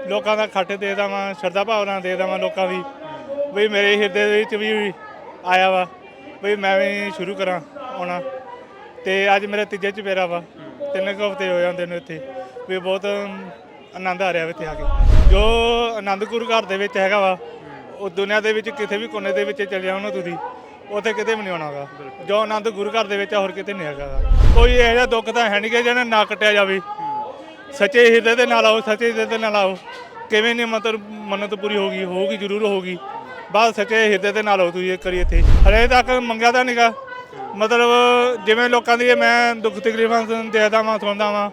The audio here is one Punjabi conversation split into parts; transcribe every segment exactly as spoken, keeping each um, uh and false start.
ਲੋਕਾਂ ਦਾ ਖੱਟ ਦੇ ਦੇਵਾਂ, ਸ਼ਰਧਾ ਭਾਵਨਾ ਦੇ ਦੇਵਾਂ ਲੋਕਾਂ ਦੀ ਵੀ ਮੇਰੇ ਹਿਰਦੇ ਦੇ ਵਿੱਚ ਵੀ ਆਇਆ ਵਾ ਵੀ ਮੈਂ ਵੀ ਸ਼ੁਰੂ ਕਰਾਂ ਆਉਣਾ। ਅਤੇ ਅੱਜ ਮੇਰਾ ਤੀਜਾ ਚੁਫੇਰਾ ਵਾ, ਤਿੰਨ ਕੁ ਹਫ਼ਤੇ ਹੋ ਜਾਂਦੇ ਨੇ ਇੱਥੇ ਵੀ ਬਹੁਤ ਆਨੰਦ ਆ ਰਿਹਾ ਵਾ ਇੱਥੇ ਆ ਕੇ। ਜੋ ਆਨੰਦ ਗੁਰੂ ਘਰ ਦੇ ਵਿੱਚ ਹੈਗਾ ਵਾ ਉਹ ਦੁਨੀਆ ਦੇ ਵਿੱਚ ਕਿਸੇ ਵੀ ਕੋਨੇ ਦੇ ਵਿੱਚ ਚਲੇ ਜਾਓ ਨਾ ਤੁਸੀਂ, ਉੱਥੇ ਕਿਤੇ ਵੀ ਨਹੀਂ ਆਉਣਾ ਗਾ। ਜੋ ਆਨੰਦ ਗੁਰੂ ਘਰ ਦੇ ਵਿੱਚ ਹੋਰ ਕਿਤੇ ਨਹੀਂ ਹੈਗਾ ਗਾ। ਕੋਈ ਇਹੋ ਜਿਹਾ ਦੁੱਖ ਤਾਂ ਹੈ ਨਹੀਂ ਕਿ ਜਿਹਨਾਂ ਨਾ ਕੱਟਿਆ ਜਾਵੇ। ਸੱਚੇ ਹਿਰਦੇ ਦੇ ਨਾਲ ਆਓ, ਸੱਚੇ ਹਿਰਦੇ ਦੇ ਨਾਲ ਆਓ। ਕਿਵੇਂ ਨਹੀਂ ਮਤਲਬ ਮੰਨਤ ਪੂਰੀ ਹੋਊਗੀ, ਹੋਊਗੀ ਜ਼ਰੂਰ ਹੋਊਗੀ। ਬਸ ਸੱਚੇ ਹਿਰਦੇ ਦੇ ਨਾਲ ਆਓ ਤੁਸੀਂ ਇੱਕ ਵਾਰੀ ਇੱਥੇ। ਹਲੇ ਤੱਕ ਮੰਗਿਆ ਤਾਂ ਨਹੀਂਗਾ, ਮਤਲਬ ਜਿਵੇਂ ਲੋਕਾਂ ਦੀ ਮੈਂ ਦੁੱਖ ਤਕਲੀਫਾਂ ਦੇਖਦਾ ਵਾਂ, ਸੁਣਦਾ ਵਾਂ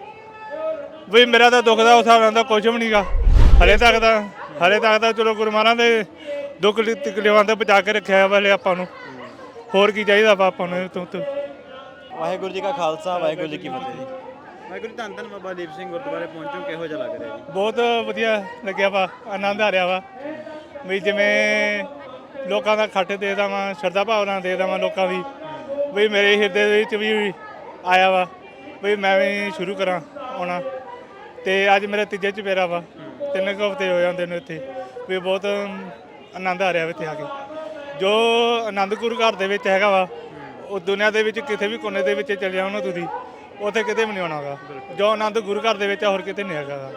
ਵੀ ਮੇਰਾ ਤਾਂ ਦੁੱਖ ਦਾ ਉਸ ਹਿਸਾਬ ਨਾਲ ਤਾਂ ਕੁਝ ਵੀ ਨਹੀਂਗਾ ਹਲੇ ਤੱਕ ਤਾਂ। ਹਲੇ ਤੱਕ ਤਾਂ ਚਲੋ ਗੁਰੂ ਮਹਾਰਾਜ ਦੇ ਦੁੱਖ ਤਕਲੀਫਾਂ ਤੋਂ ਬਚਾ ਕੇ ਰੱਖਿਆ ਵਾ ਹਲੇ ਆਪਾਂ ਨੂੰ। ਹੋਰ ਕੀ ਚਾਹੀਦਾ ਵਾ ਆਪਾਂ ਨੂੰ ਇਹ ਤੋਂ। ਵਾਹਿਗੁਰੂ ਜੀ ਕਾ ਖਾਲਸਾ, ਵਾਹਿਗੁਰੂ ਜੀ ਕੀ ਫਤਿਹ ਜੀ। ਵਾਹਿਗੁਰੂ ਧੰਨ ਧੰਨ ਬਾਬਾ ਦੀਪ ਸਿੰਘ ਗੁਰਦੁਆਰੇ ਪਹੁੰਚੋ, ਕਿਹੋ ਜਿਹਾ ਲੱਗ ਰਿਹਾ ਜੀ? ਬਹੁਤ ਵਧੀਆ ਲੱਗਿਆ ਵਾ, ਆਨੰਦ ਆ ਰਿਹਾ ਵਾ ਵੀ ਜਿਵੇਂ ਲੋਕਾਂ ਦਾ ਖੱਟ ਦੇ ਦੇਵਾਂ, ਸ਼ਰਧਾ ਭਾਵਨਾ ਦੇ ਦੇਵਾਂ ਲੋਕਾਂ ਦੀ ਵੀ ਮੇਰੇ ਹਿਰਦੇ ਦੇ ਵਿੱਚ ਵੀ ਆਇਆ ਵਾ ਵੀ ਮੈਂ ਵੀ ਸ਼ੁਰੂ ਕਰਾਂ ਆਉਣਾ। ਅਤੇ ਅੱਜ ਮੇਰਾ ਤੀਜਾ ਚੁਫੇਰਾ ਵਾ, ਤਿੰਨ ਕੁ ਹਫ਼ਤੇ ਹੋ ਜਾਂਦੇ ਨੇ ਇੱਥੇ ਵੀ ਬਹੁਤ ਆਨੰਦ ਆ ਰਿਹਾ ਇੱਥੇ ਆ ਕੇ। ਜੋ ਆਨੰਦ ਗੁਰੂ ਘਰ ਦੇ ਵਿੱਚ ਹੈਗਾ ਵਾ ਉਹ ਦੁਨੀਆ ਦੇ ਵਿੱਚ ਕਿਸੇ ਵੀ ਕੋਨੇ ਦੇ ਵਿੱਚ ਚਲੇ ਜਾਓ ਨਾ ਤੁਸੀਂ, ਉੱਥੇ ਕਿਤੇ ਵੀ ਨਹੀਂ ਆਉਣਾ ਗਾ। ਜੋ ਆਨੰਦ ਗੁਰੂ ਘਰ ਦੇ ਵਿੱਚ ਹੋਰ ਕਿਤੇ ਨਹੀਂ ਹੈਗਾ ਗਾ।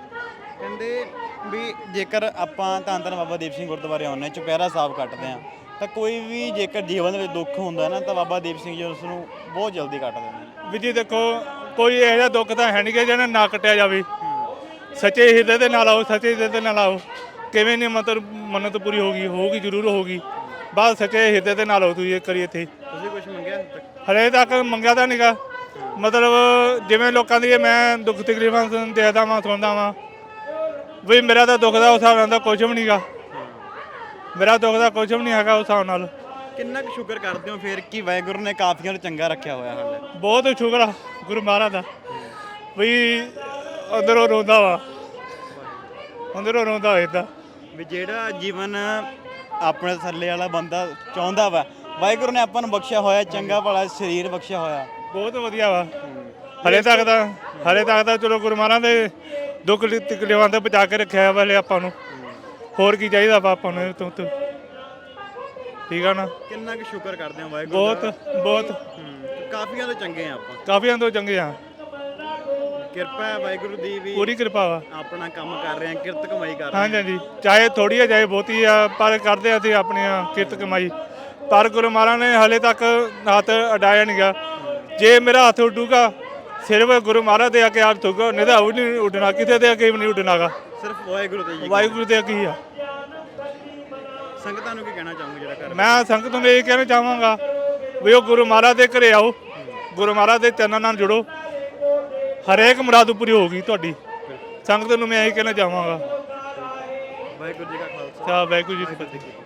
ਕਹਿੰਦੇ ਵੀ ਜੇਕਰ ਆਪਾਂ ਧੰਨ ਧੰਨ ਬਾਬਾ ਦੀਪ ਸਿੰਘ ਗੁਰਦੁਆਰੇ ਆਉਂਦੇ ਹਾਂ, ਚੁਪਹਿਰਾ ਸਾਹਿਬ ਕੱਟਦੇ ਹਾਂ, ਤਾਂ ਕੋਈ ਵੀ ਜੇਕਰ ਜੀਵਨ ਵਿੱਚ ਦੁੱਖ ਹੁੰਦਾ ਨਾ ਤਾਂ ਬਾਬਾ ਦੀਪ ਸਿੰਘ ਜੀ ਉਸ ਨੂੰ ਬਹੁਤ ਜਲਦੀ ਕੱਟ ਦਿੰਦੇ ਨੇ। ਵੀ ਜੀ ਦੇਖੋ, ਕੋਈ ਇਹੋ ਜਿਹਾ ਦੁੱਖ ਤਾਂ ਹੈ ਨਹੀਂ ਕਿ ਜਿਹਨਾਂ ਨਾ ਕੱਟਿਆ ਜਾਵੇ। ਸੱਚੇ ਹਿਰਦੇ ਦੇ ਨਾਲ ਆਓ, ਸੱਚੇ ਹਿਰਦੇ ਦੇ ਨਾਲ ਆਓ। ਕਿਵੇਂ ਨਹੀਂ ਮਤਲਬ ਮੰਨਤ ਪੂਰੀ ਹੋਊਗੀ, ਹੋਊਗੀ ਜ਼ਰੂਰ ਹੋਊਗੀ। ਬਸ ਸੱਚੇ ਹਿਰਦੇ ਦੇ ਨਾਲ ਆਓ ਤੁਸੀਂ ਇੱਕ ਵਾਰੀ ਇੱਥੇ। ਤੁਸੀਂ ਕੁਝ ਮੰਗਿਆ? ਹਲੇ ਤੱਕ ਮੰਗਿਆ ਤਾਂ ਨਹੀਂਗਾ, ਮਤਲਬ ਜਿਵੇਂ ਲੋਕਾਂ ਦੀ ਮੈਂ ਦੁੱਖ ਤਕਲੀਫਾਂ ਦੇਖਦਾ ਵਾਂ, ਸੁਣਦਾ ਵਾਂ ਵੀ ਮੇਰਾ ਤਾਂ ਦੁੱਖ ਦਾ ਉਸ ਹਿਸਾਬ ਨਾਲ ਤਾਂ ਕੁਝ ਵੀ ਨਹੀਂਗਾ। ਮੇਰਾ ਦੁੱਖ ਦਾ ਕੁਝ ਵੀ ਨਹੀਂ ਹੈਗਾ ਉਸ ਹਿਸਾਬ ਨਾਲ। ਕਿੰਨਾ ਕੁ ਸ਼ੁਕਰ ਕਰਦੇ ਹੋ ਫਿਰ ਕਿ ਵਾਹਿਗੁਰੂ ਨੇ ਕਾਫੀਆਂ ਨੂੰ ਚੰਗਾ ਰੱਖਿਆ ਹੋਇਆ ਹਾਲੇ? ਬਹੁਤ ਸ਼ੁਕਰ ਆ ਗੁਰੂ ਮਹਾਰਾਜ ਦਾ ਵੀ ਅੰਦਰੋਂ ਰੋਂਦਾ ਵਾ, ਅੰਦਰੋਂ ਰੋਂਦਾ ਇੱਦਾਂ ਵੀ ਜਿਹੜਾ ਜੀਵਨ ਆਪਣੇ ਥੱਲੇ ਵਾਲਾ ਬੰਦਾ ਚਾਹੁੰਦਾ ਵਾ, ਵਾਹਿਗੁਰੂ ਨੇ ਆਪਾਂ ਨੂੰ ਬਖਸ਼ਿਆ ਹੋਇਆ, ਚੰਗਾ ਭਲਾ ਸਰੀਰ ਬਖਸ਼ਿਆ ਹੋਇਆ। ਬਹੁਤ ਵਧੀਆ ਵਾ। ਹਲੇ ਤੱਕ ਤਾਂ ਹਲੇ ਤੱਕ ਤਾਂ ਚਲੋ ਗੁਰੂ ਮਹਾਰਾਜ ਦੇ ਦੁੱਖ ਤਕਲੀਫਾਂ ਤੋਂ ਬਚਾ ਕੇ ਰੱਖਿਆ ਵਾ ਹਲੇ ਆਪਾਂ ਨੂੰ। ਹੋਰ ਕੀ ਚਾਹੀਦਾ ਵਾ ਆਪਾਂ ਨੂੰ ਇਹ ਤੋਂ। ਠੀਕ ਆ ਨਾ। ਕਿੰਨਾ ਕੁ ਸ਼ੁਕਰ ਕਰਦੇ ਹੋ ਵਾਹਿਗੁਰੂ ਬਹੁਤ ਬਹੁਤ ਕਾਫੀਆਂ ਤੋਂ ਚੰਗੇ ਆ ਆਪਾਂ, ਕਾਫੀਆਂ ਤੋਂ ਚੰਗੇ ਆ। ਕਿਰਪਾ ਹੈ ਵਾਹਿਗੁਰੂ ਦੀ ਵੀ, ਪੂਰੀ ਕਿਰਪਾ ਵਾ। ਆਪਣਾ ਕੰਮ ਕਰ ਰਹੇ ਆ, ਕਿਰਤ ਕਮਾਈ ਕਰ ਰਹੇ ਹਾਂਜੀ ਹਾਂਜੀ, ਚਾਹੇ ਥੋੜ੍ਹੀ ਆ ਚਾਹੇ ਬਹੁਤੀ ਆ, ਪਰ ਕਰਦੇ ਅਸੀਂ ਆਪਣੀਆਂ ਕਿਰਤ ਕਮਾਈ। ਪਰ ਗੁਰੂ ਮਹਾਰਾਜ ਨੇ ਹਾਲੇ ਤੱਕ ਹੱਥ ਅਡਾਇਆ ਨਹੀਂ ਗਾ। ਜੇ ਮੇਰਾ ਹੱਥ ਉੱਡੂਗਾ ਸਿਰਫ ਗੁਰੂ ਮਹਾਰਾਜ ਦੇ ਅੱਗੇ ਹੱਥ ਉੱਗਾ, ਨਹੀਂ ਤਾਂ ਉਹ ਨਹੀਂ ਉੱਡਣਾ, ਕਿਸੇ ਦੇ ਅੱਗੇ ਵੀ ਨਹੀਂ ਉੱਡਣਾ ਗਾ। ਸਿਰਫ ਵਾਹਿਗੁਰੂ ਤੇ। ਵਾਹਿਗੁਰੂ ਦੇ ਅੱਗੇ ਹੀ ਆ। ਸੰਗਤਾਂ ਨੂੰ ਕੀ ਕਹਿਣਾ ਚਾਹੋਗੇ ਜਿਹੜਾ ਘਰ? ਮੈਂ ਸੰਗਤ ਨੂੰ ਇਹ ਕਹਿਣਾ ਚਾਹਾਂਗਾ ਵੀ ਉਹ ਗੁਰੂ ਮਹਾਰਾਜ ਦੇ ਘਰੇ ਆਓ, ਗੁਰੂ ਮਹਾਰਾਜ ਦੇ ਚਰਨਾਂ ਨਾਲ ਜੁੜੋ, ਹਰੇਕ ਮੁਰਾਦ ਪੂਰੀ ਹੋਊਗੀ ਤੁਹਾਡੀ। ਸੰਗਤ ਨੂੰ ਮੈਂ ਇਹ ਕਹਿਣਾ ਚਾਹਾਂਗਾ। ਵਾਹਿਗੁਰੂ ਜੀ ਕਾ ਖਾਲਸਾ, ਵਾਹਿਗੁਰੂ ਜੀ ਕੀ ਫਤਿਹ।